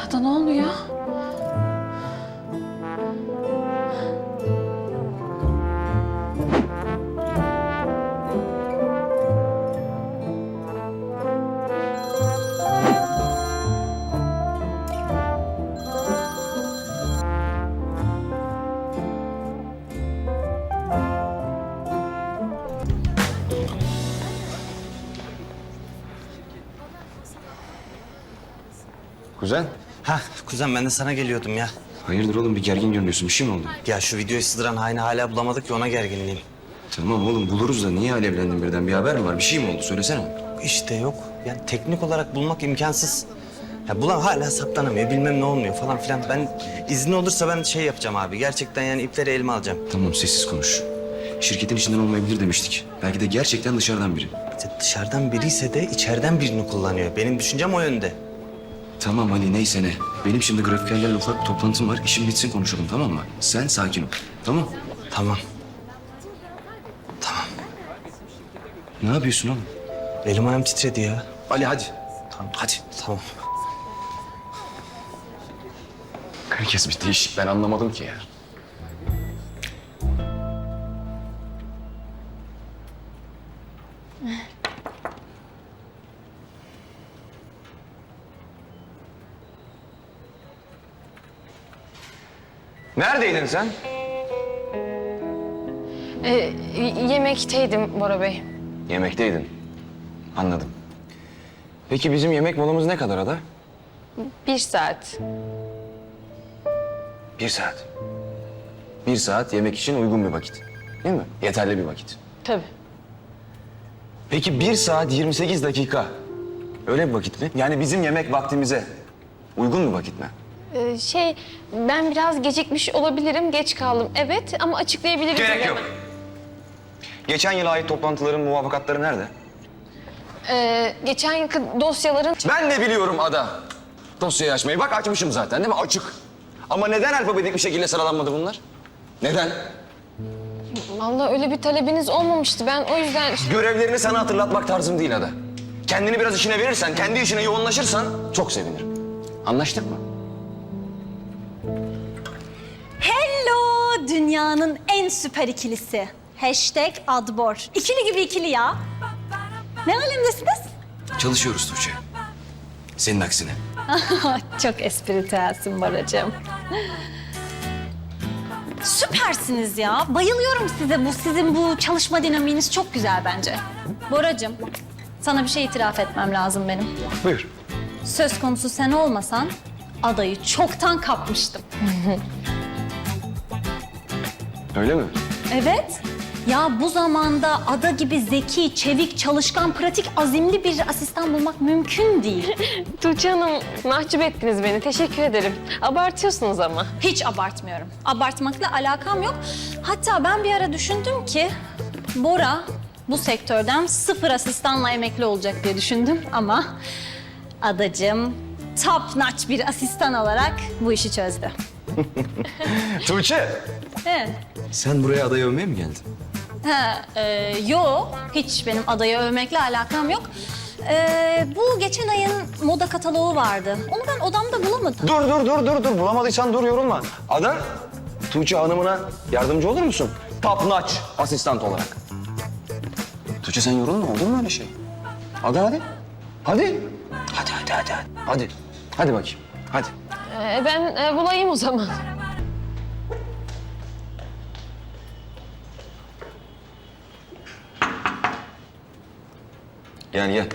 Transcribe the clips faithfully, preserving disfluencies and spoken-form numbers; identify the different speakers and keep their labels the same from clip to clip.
Speaker 1: Ada ne oluyor?
Speaker 2: Kuzen.
Speaker 3: Ha kuzen ben de sana geliyordum ya.
Speaker 2: Hayırdır oğlum, bir gergin görünüyorsun. Bir şey mi oldu?
Speaker 3: Ya şu videoyu sızdıran haini hala bulamadık ya, ona gerginliğim.
Speaker 2: Tamam oğlum, buluruz da niye alevlendin birden? Bir haber mi var? Bir şey mi oldu? Söylesene.
Speaker 3: İşte yok. Yani teknik olarak bulmak imkansız. Ya bulan hala saklanamıyor, bilmem ne olmuyor falan filan. Ben izni olursa ben şey yapacağım abi. Gerçekten yani ipleri elime alacağım.
Speaker 2: Tamam, sessiz konuş. Şirketin içinden olmayabilir demiştik. Belki de gerçekten dışarıdan biri.
Speaker 3: İşte dışarıdan biriyse de içeriden birini kullanıyor. Benim düşüncem o yönde.
Speaker 2: Tamam Ali, neyse ne. Benim şimdi grafikerlerle ufak bir toplantım var. İşim bitsin konuşalım, tamam mı? Sen sakin ol. Tamam.
Speaker 3: Tamam.
Speaker 2: Ne yapıyorsun oğlum?
Speaker 3: Elim ayağım titredi ya.
Speaker 2: Ali hadi. Tamam hadi.
Speaker 3: Tamam.
Speaker 2: Herkes bir değişik. Ben anlamadım ki ya. Neredeydin sen?
Speaker 1: Ee, yemekteydim Bora Bey.
Speaker 2: Yemekteydin. Anladım. Peki bizim yemek molamız ne kadar Ada?
Speaker 1: Bir saat.
Speaker 2: Bir saat. Bir saat yemek için uygun bir vakit. Değil mi? Yeterli bir vakit.
Speaker 1: Tabii.
Speaker 2: Peki bir saat yirmi sekiz dakika. Öyle bir vakit mi? Yani bizim yemek vaktimize uygun bir vakit mi?
Speaker 1: Ee, şey, ben biraz gecikmiş olabilirim, geç kaldım. Evet ama açıklayabiliriz.
Speaker 2: Gerek yok. Geçen yıla ait toplantıların muvafakatları nerede?
Speaker 1: Ee, geçen yılki dosyaların...
Speaker 2: Ben de biliyorum Ada. Dosyayı açmayı. Bak açmışım zaten değil mi? Açık. Ama neden alfabetik bir şekilde sıralanmadı bunlar? Neden?
Speaker 1: Vallahi öyle bir talebiniz olmamıştı. Ben o yüzden...
Speaker 2: Görevlerini sana hatırlatmak tarzım değil Ada. Kendini biraz işine verirsen, kendi işine yoğunlaşırsan çok sevinirim. Anlaştık mı?
Speaker 4: Hello dünyanın en süper ikilisi. Hashtag Adbor. İkili gibi ikili ya. Ne alemdesiniz?
Speaker 2: Çalışıyoruz Tuğçe. Senin aksine.
Speaker 4: Çok espritüelsin Boracığım. Süpersiniz ya. Bayılıyorum size. Bu sizin bu çalışma dinamiğiniz çok güzel bence. Boracığım, sana bir şey itiraf etmem lazım benim.
Speaker 2: Buyur.
Speaker 4: Söz konusu sen olmasan adayı çoktan kapmıştım.
Speaker 2: Öyle mi?
Speaker 4: Evet. Ya bu zamanda Ada gibi zeki, çevik, çalışkan, pratik, azimli bir asistan bulmak mümkün değil.
Speaker 1: Tuğçe Hanım, mahcup ettiniz beni. Teşekkür ederim. Abartıyorsunuz ama.
Speaker 4: Hiç abartmıyorum. Abartmakla alakam yok. Hatta ben bir ara düşündüm ki Bora bu sektörden sıfır asistanla emekli olacak diye düşündüm ama Adacığım top notch bir asistan olarak bu işi çözdü.
Speaker 2: Tuğçe.
Speaker 4: Evet.
Speaker 2: Sen buraya adayı övmeye mi geldin?
Speaker 4: Ha, e, yo, hiç benim adayı övmekle alakam yok. E, bu geçen ayın moda kataloğu vardı. Onu ben odamda bulamadım.
Speaker 2: Dur dur dur dur dur. Bulamadıysan dur, yorulma. Ada, Tuğçe Hanım'ına yardımcı olur musun? Top notch asistan olarak. Tuğçe sen yorulma, olur mu öyle şey? Ada hadi. Hadi. Hadi hadi hadi. Hadi, hadi, hadi bakayım. Hadi.
Speaker 1: Ee, ben e, bulayım o zaman.
Speaker 2: Gel gel.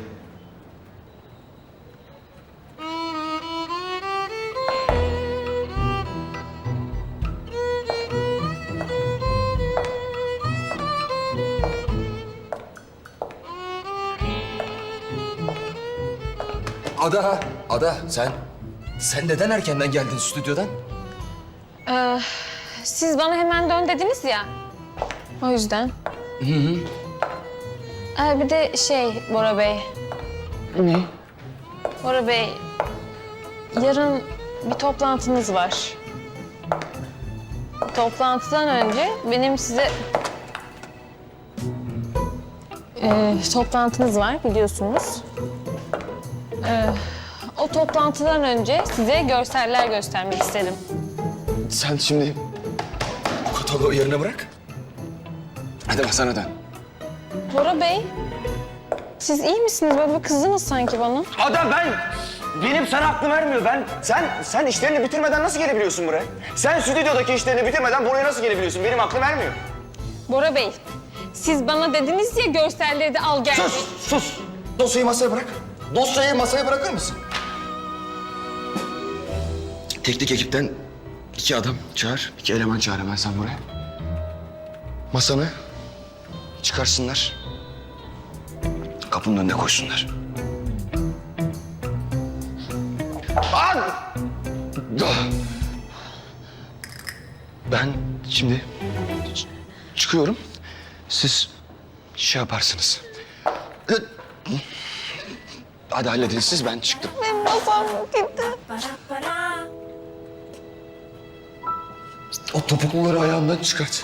Speaker 2: Ada, Ada sen, sen neden erkenden geldin stüdyodan?
Speaker 1: Ee, siz bana hemen dön dediniz ya. O yüzden. Hı hı. Ee, bir de şey Bora Bey.
Speaker 2: Ne?
Speaker 1: Bora Bey, yarın bir toplantınız var. Toplantıdan önce benim size... Ee, toplantınız var biliyorsunuz. Ee, o toplantıdan önce size görseller göstermek istedim.
Speaker 2: Sen şimdi bu kataloğu yerine bırak. Hadi masana dön.
Speaker 1: Bora Bey, siz iyi misiniz? Böyle bir kızdınız sanki bana.
Speaker 2: Ada ben, benim sana aklım ermiyor. Ben, sen, sen işlerini bitirmeden nasıl gelebiliyorsun buraya? Sen stüdyodaki işlerini bitirmeden buraya nasıl gelebiliyorsun? Benim aklım ermiyor.
Speaker 1: Bora Bey, siz bana dediniz ya görselleri de al gel.
Speaker 2: Sus, sus. Dosyayı masaya bırak. Dosyayı masaya bırakır mısın? Teknik ekipten iki adam çağır, iki eleman çağır hemen sen buraya. Masanı çıkarsınlar. Kapının önüne koysunlar. An! Ben şimdi ç- çıkıyorum. Siz şey yaparsınız. Hadi halledin siz, ben çıktım.
Speaker 1: Benim masam gitti.
Speaker 2: O topukluları ayağımdan çıkart.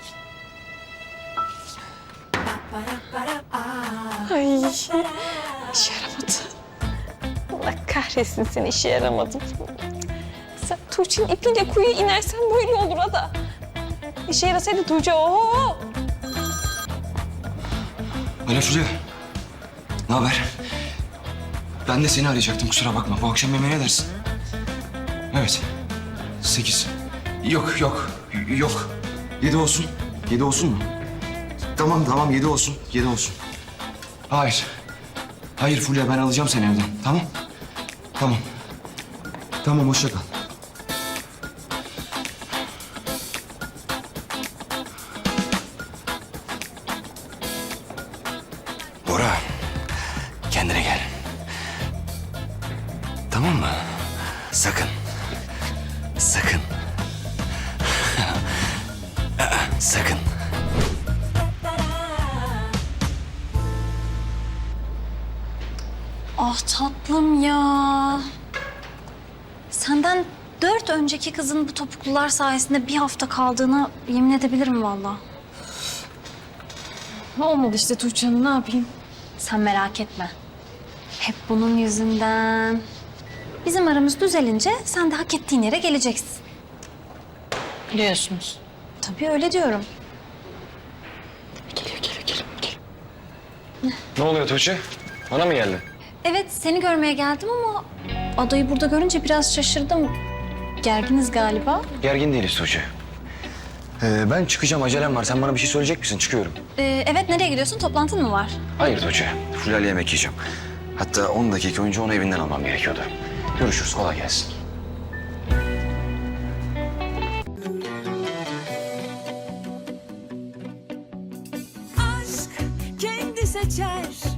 Speaker 1: Ay, işe yaramadı. Allah kahretsin seni, işe yaramadı. Sen Tuğçe'nin ipiyle kuyuya inersen böyle olur Ada. İşe yarasaydı Tuğçe, oho!
Speaker 2: Alo Fulya. Ne haber? Ben de seni arayacaktım, kusura bakma. Bu akşam yemeğe ne dersin? Evet. Sekiz. Yok, yok, yok. Yedi olsun. Yedi olsun mu? Tamam, tamam. Yedi olsun. Yedi olsun. Hayır. Hayır Fulya, ben alacağım seni evden. Tamam? Tamam. Tamam, hoşça kal. Bora, kendine gel. Tamam mı? Sakın. Sakın. Sakın.
Speaker 4: Ah tatlım ya. Senden dört önceki kızın bu topuklular sayesinde bir hafta kaldığına yemin edebilirim vallahi.
Speaker 1: Olmadı işte Tuğçe Hanım, ne yapayım?
Speaker 4: Sen merak etme. Hep bunun yüzünden. Bizim aramız düzelince sen de hak ettiğin yere geleceksin.
Speaker 1: Biliyorsunuz.
Speaker 4: Tabii öyle diyorum.
Speaker 1: Geliyor, geliyor, geliyor. geliyor.
Speaker 2: Ne oluyor Tuğçe? Bana mı geldin?
Speaker 4: Evet seni görmeye geldim ama adayı burada görünce biraz şaşırdım. Gerginiz galiba.
Speaker 2: Gergin değiliz Tuğçe. Ee, ben çıkacağım, acelem var. Sen bana bir şey söyleyecek misin? Çıkıyorum.
Speaker 4: Ee, evet nereye gidiyorsun? Toplantın mı var?
Speaker 2: Hayır Tuğçe. Fulya'yla yemek yiyeceğim. Hatta on dakika önce onu evinden almam gerekiyordu. Görüşürüz, kolay gelsin.
Speaker 5: aşk kendi seçer